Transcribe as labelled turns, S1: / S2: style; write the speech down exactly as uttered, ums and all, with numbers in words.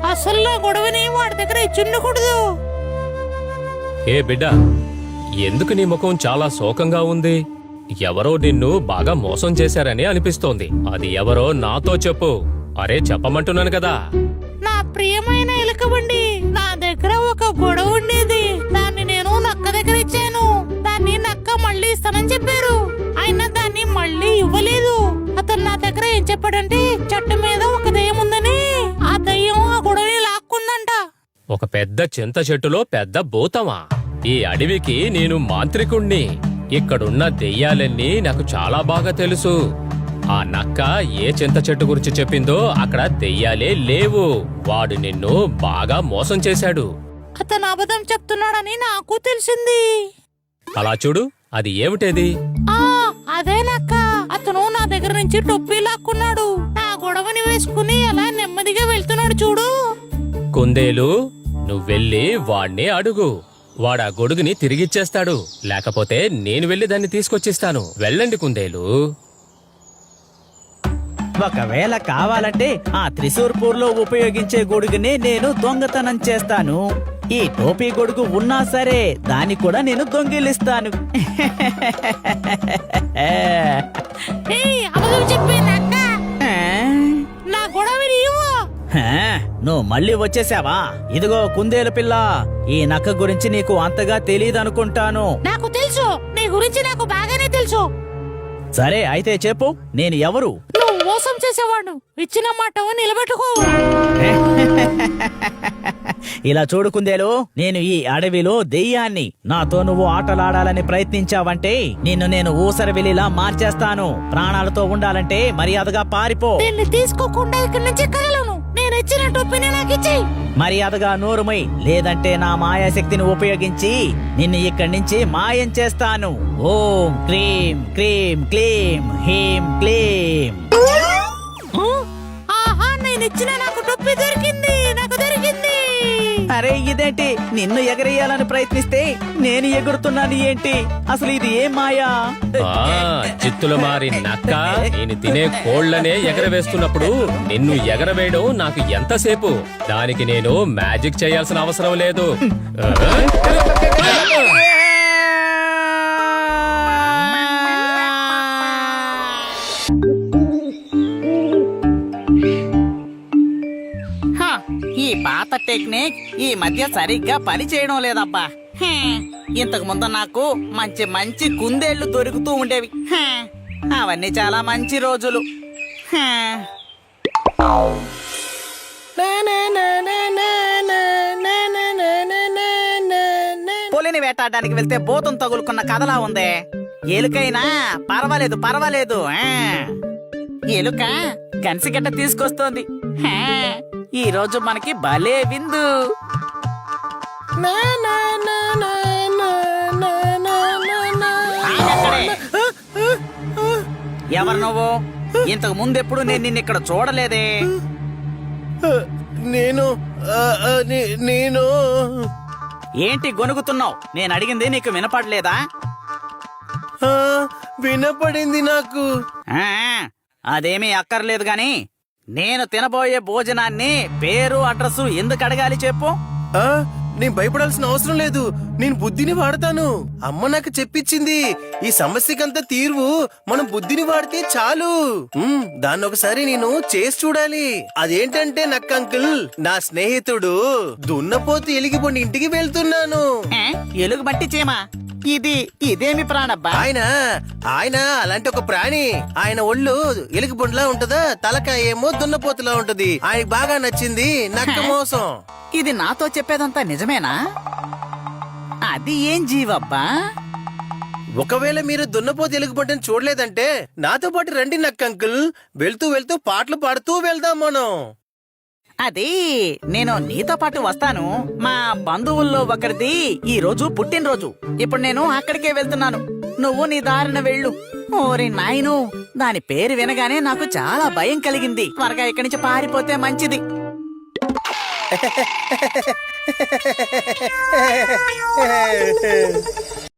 S1: అసలు నా గొడవని వాడి దగ్గర ఇచ్చుండకూడదు.
S2: ఏ బిడ్డ, ఎందుకు నీ ముఖం చాలా శోకంగా ఉంది? ఎవరో నిన్ను బాగా మోసం చేశారని అనిపిస్తోంది. అది ఎవరో నాతో చెప్పు. అరే చెప్పమంటున్నాను కదా.
S1: నా ప్రియమైన ఎలుకబండి, నా దగ్గర ఒక గొడవ ఉండేది. దాన్ని నేను నక్క దగ్గర ఇచ్చాను. దాన్ని నక్క మళ్ళీ ఇస్తానని చెప్పారు. అయినా దాన్ని మళ్ళీ ఇవ్వలేదు. అతను నా దగ్గర ఏం చెప్పాడంటే చెట్టు మీద ఒక దయ్యం ఉందని. ఆ దయ్యం ఆ గొడవని లాక్కుందంట.
S2: ఒక పెద్ద చింత చెట్టులో పెద్ద భూతమా? ఈ అడవికి నేను మాంత్రికుణ్ణి. ఇక్కడున్న దెయ్యాలన్నీ నాకు చాలా బాగా తెలుసు. ఆ నక్క ఏ చింత చెట్టు గురించి చెప్పిందో అక్కడ దెయ్యాలే లేవు. వాడు నిన్ను బాగా మోసం చేశాడు.
S1: అతను అబద్ధం చెప్తున్నాడని నాకు తెలిసింది.
S2: అలా చూడు, అది ఏమిటేది?
S1: ఆ అదే నక్క. అతను నా దగ్గర నుంచి టొప్పి లాక్కున్నాడు. నా గొడవని వేసుకుని అలా నెమ్మదిగా వెళ్తున్నాడు చూడు.
S2: కుందేలు, నువ్వెళ్ళి వాణ్ణి అడుగు. వాడా గొడుగుని తిరిగిచ్చేస్తాడు. లేకపోతే నేను వెళ్లి దాన్ని తీసుకొచ్చిస్తాను. వెళ్ళండి కుందేలు.
S3: ఒకవేళ కావాలంటే ఆ త్రిశూర్పూర్ లో ఉపయోగించే గొడుగుని నేను దొంగతనం చేస్తాను. ఈ టోపీ గొడుగు ఉన్నా సరే దాన్ని కూడా నేను దొంగిలిస్తాను.
S1: ఏయ్, అబద్ధం చెప్పే నక్క, నా గొడవని ఇవ్వు.
S3: హా, నువ్వు మళ్ళీ వచ్చేసావా? ఇదిగో కుందేలు పిల్ల, ఈ నక్క గురించి నీకు అంతగా తెలియదనుకుంటాను.
S1: నాకు తెలుసు, నీ గురించి నాకు బాగానే తెలుసు.
S3: సరే అయితే చెప్పు, నేను ఎవరు?
S1: నువ్వు మోసం చేసేవాడు. ఇచ్చిన మాట నిలబెట్టుకో.
S3: ఇలా చూడు కుందేలు, నేను ఈ అడవిలో దెయ్యాన్ని. నాతో నువ్వు ఆటలాడాలని ప్రయత్నించావంటే నిన్ను నేను ఊసరవెల్లిలా మార్చేస్తాను. ప్రాణాలతో ఉండాలంటే మర్యాదగా పారిపో.
S1: దీన్ని తీసుకోకుండా ఇక్కడి నుంచి కదలను. నేను ఇచ్చిన టొప్పిని నాకు ఇచ్చేయ్.
S3: మర్యాదగా నోరుమై, లేదంటే నా మాయాశక్తిని ఉపయోగించి నిన్ను ఇక్కడి నుంచి మాయం చేస్తాను. ఓం క్రీం క్రీం క్లీం హీం క్లీం.
S1: ఆహా, నేను ఇచ్చిన నాకు టొప్పి దొరికింది. నాకు దొరికింది.
S3: అరే ఇదేంటి, నిన్ను ఎగరేయాలని ప్రయత్నిస్తే నేను ఎగురుతున్నాను ఏంటి? అసలు ఇది ఏం మాయా?
S2: ఆ చిత్తులు మారి నక్క, నేను తినే కోళ్లనే ఎగరవేస్తున్నప్పుడు నిన్ను ఎగరవేయడం నాకు ఎంతసేపు? దానికి నేను మ్యాజిక్ చేయాల్సిన అవసరం లేదు.
S4: ఈ పాత టెక్నిక్ ఈ మధ్య సరిగ్గా పని చేయడం లేదబ్బా. హ్మ్, ఇంతకు ముందు నాకు మంచి మంచి కుందేళ్లు దొరుకుతూ ఉండేవి. హ్మ్, అవన్నీ చాలా మంచి రోజులు. హ్మ్. పులిని వేటాడడానికి వెళ్తే భూతం తగులుకున్న కథలా ఉందే. ఎలుకైనా పర్వాలేదు పర్వాలేదు. ఆ. ఎలుక కన్సిగడ్డ తీసుకొస్తోంది. హా, ఈ రోజు మనకి భలే విందు. ఆగక్కడే. ఎవరు నువ్వు? ఇంతకు ముందెప్పుడు నేను నిన్ను ఇక్కడ చూడలేదే.
S5: నేను నేను
S4: ఏంటి గొనుగుతున్నావు? నేను అడిగింది నీకు వినపడలేదా?
S5: వినపడింది నాకు.
S4: ఆ, అదేమీ అక్కర్లేదు గాని నేను తినబోయే భోజనాన్ని పేరు అడ్రస్ ఎందుకు అడగాలి చెప్పు.
S5: ఆ నేను భయపడాల్సిన అవసరం లేదు. నేను బుద్ధిని వాడతాను. అమ్మ నాకు చెప్పించింది. ఈ సమస్యకంతా తీర్వు మనం బుద్ధిని వాడితే చాలు. ఉమ్, దాన్ని ఒకసారి నేను చేసి చూడాలి. అదేంటంటే నక్క అంకుల్, నా స్నేహితుడు దున్నపోతు ఎలిగిపోండి ఇంటికి వెళ్తున్నాను.
S4: ఆ, ఎలుగు బట్టి చేమా? ఇది ఇదేమి ప్రాణబ్బా?
S5: ఆయన ఆయన అలాంటి ఒక ప్రాణి. ఆయన ఒళ్ళు ఎలుగుబండిలా ఉంటదా, తలకాయ ఏమో దున్నపోతులా ఉంటది. ఆయనకి బాగా నచ్చింది నక్క మోసం.
S4: ఇది నాతో చెప్పేదంతా నిజమేనా? అది ఏం జీవబ్బా?
S5: ఒకవేళ మీరు దున్నపోతు ఎలుగుబంటిని చూడలేదంటే నాతో పాటు రండి నక్క అంకుల్. వెళ్తూ వెళ్తూ పాటలు పాడుతూ వెళ్దాం మనం.
S4: అది నేను నీతో పాటు వస్తాను. మా బంధువుల్లో ఒకరిది ఈ రోజు పుట్టినరోజు. ఇప్పుడు నేను అక్కడికే వెళ్తున్నాను. నువ్వు నీ దారిన వెళ్ళు. ఓరి నాయను, దాని పేరు వినగానే నాకు చాలా భయం కలిగింది. త్వరగా ఇక్కడి నుంచి పారిపోతే మంచిది.